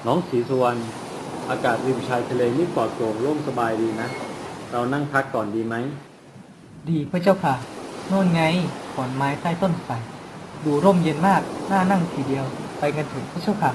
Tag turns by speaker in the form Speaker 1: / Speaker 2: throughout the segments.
Speaker 1: น้องศรีสุวรรณอากาศริมชายทะเลนี่ปลอดโปร่งโล่งสบายดีนะเรานั่งพักก่อนดีไหม
Speaker 2: ดีพระเจ้าค่ะโน่นไงขอนไม้ใต้ต้นไทรดูร่มเย็นมากน่านั่งทีเดียวไปกันเถอะพระเจ้าค่ะ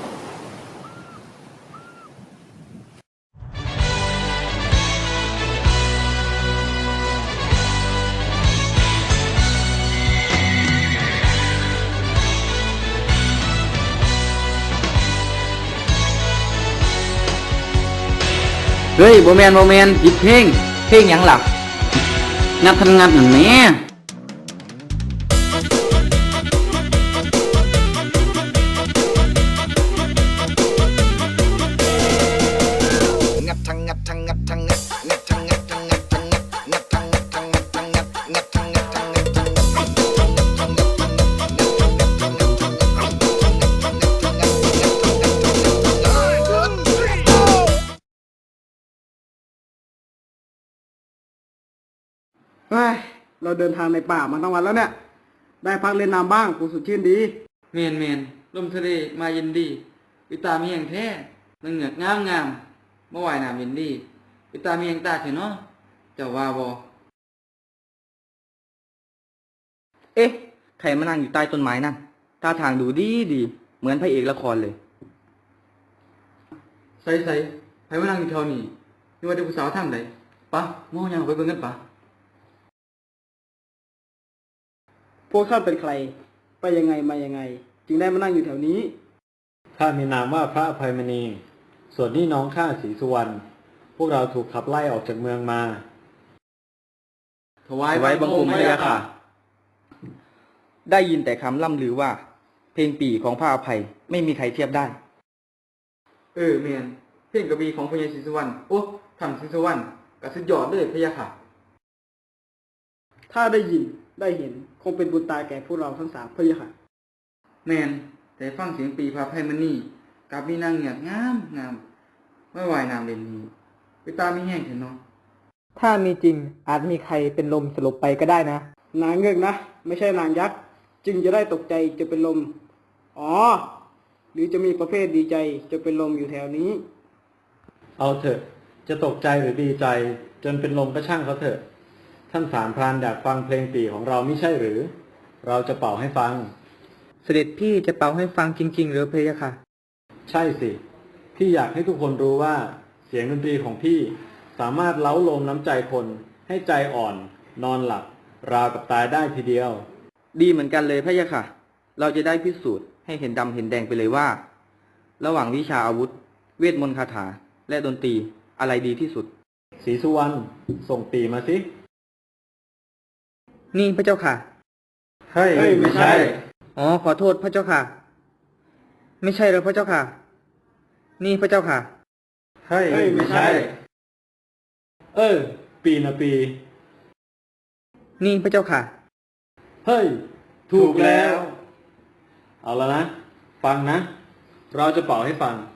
Speaker 3: เฮ้ยโบแมนผิดเพลงหยังหลับงัดทันงัดหนึ่งแม่
Speaker 4: งัดทั้งงัดทั้งงัดทั้งงัดงัดทั้งงัดทั้งงัดทั้งงัดงัดทั้งงัดทั้งงัดทั้งงัดงัดทั้งงัดทั้งงัดทั้งงัด
Speaker 5: เฮ้ยเราเดินทางในป่ามาทั้งวันแล้วเนี่ย ได้พักเล่นน้ำบ้างกูสดชื่นดี
Speaker 3: เมนลมทะเลมาเย็นดีวิตามีอย่างแท้นังเหงือกงามเมื่อวายน้ำเย็นดีวิตามีอย่างตาเถอะเนาะเจ้าว่าบ่เอ๊ะใครมานั่งอยู่ใต้ต้นไม้นั่นท่าทางดูดีเหมือนพระเอกละครเลยใส่ใครมานั่งอยู่แถวนี้นี่ว่าเด็กผู้สาวทางใดปะมองยังไปเบิ่งกันปะ
Speaker 5: พวกท่านเป็นใคร ไปยังไงมายังไง จึงได้มานั่งอยู่แถวนี้
Speaker 1: ข้ามีนามว่าพระอภัยมณีส่วนนี่น้องข้าศรีสุวรรณพวกเราถูกขับไล่ออกจากเมืองมา
Speaker 3: ถวายบังคมพระยาค่ะได้ยินแต่คำล่ำลือว่า เพลงปี่ของพระอภัยไม่มีใครเทียบได้เมียนเพลงกระบี่ของพญาศรีสุวรรณโอ้ทำศรีสุวรรณก็สุดยอดเลยพระยาค่ะ
Speaker 5: ถ้าได้ยินได้เห็นคงเป็นบุญตาแก่พวกเราทั้งสามพะยะค่ะ
Speaker 3: แมนแต่ฟังเสียงปีพระอภัยมันนี่กับมีนางเหงือกงามไม่วายน้ำเล่นนี้ไปตาไม่แห้งเถอะเนาะ
Speaker 2: ถ้ามีจริงอาจมีใครเป็นลมสลบไปก็ได้นะ
Speaker 5: นางเงือกนะ ไม่ใช่นางยักษ์จึงจะได้ตกใจจะเป็นลมอ๋อหรือจะมีประเภทดีใจจะเป็นลมอยู่แถวนี้
Speaker 1: เอาเถอะจะตกใจหรือดีใจจนเป็นลมก็ช่างเขาเถอะท่านสามพรานอยากฟังเพลงปี่ของเราไม่ใช่หรือเราจะเป่าให้ฟัง
Speaker 2: เสด็จพี่จะเป่าให้ฟังจริงๆหรือพระยะค่ะ
Speaker 1: ใช่สิพี่อยากให้ทุกคนรู้ว่าเสียงดนตรีของพี่สามารถเล้าโลมน้ำใจคนให้ใจอ่อนนอนหลับราวกับตายได้ทีเดียว
Speaker 3: ดีเหมือนกันเลยพระยาค่ะเราจะได้พิสูจน์ให้เห็นดำเห็นแดงไปเลยว่าระหว่างวิชาอาวุธเวทมนต์คาถาและดนตรีอะไรดีที่สุด
Speaker 1: ศรีสุวรรณส่งปี่มาสิ
Speaker 2: นี่พระเจ้าค่ะ
Speaker 1: เฮ้ยไม่ใช่
Speaker 2: อ๋อขอโทษพระเจ้าค่ะไม่ใช่แล้วพระเจ้าค่ะนี่พระเจ้าค่ะ
Speaker 1: เฮ้ยไม่ใช่ปีนะปี
Speaker 2: นี่พระเจ้าค่ะ
Speaker 1: เฮ้ยถูกแล้วเอาแล้วนะฟังนะเราจะเป่าให้ฟัง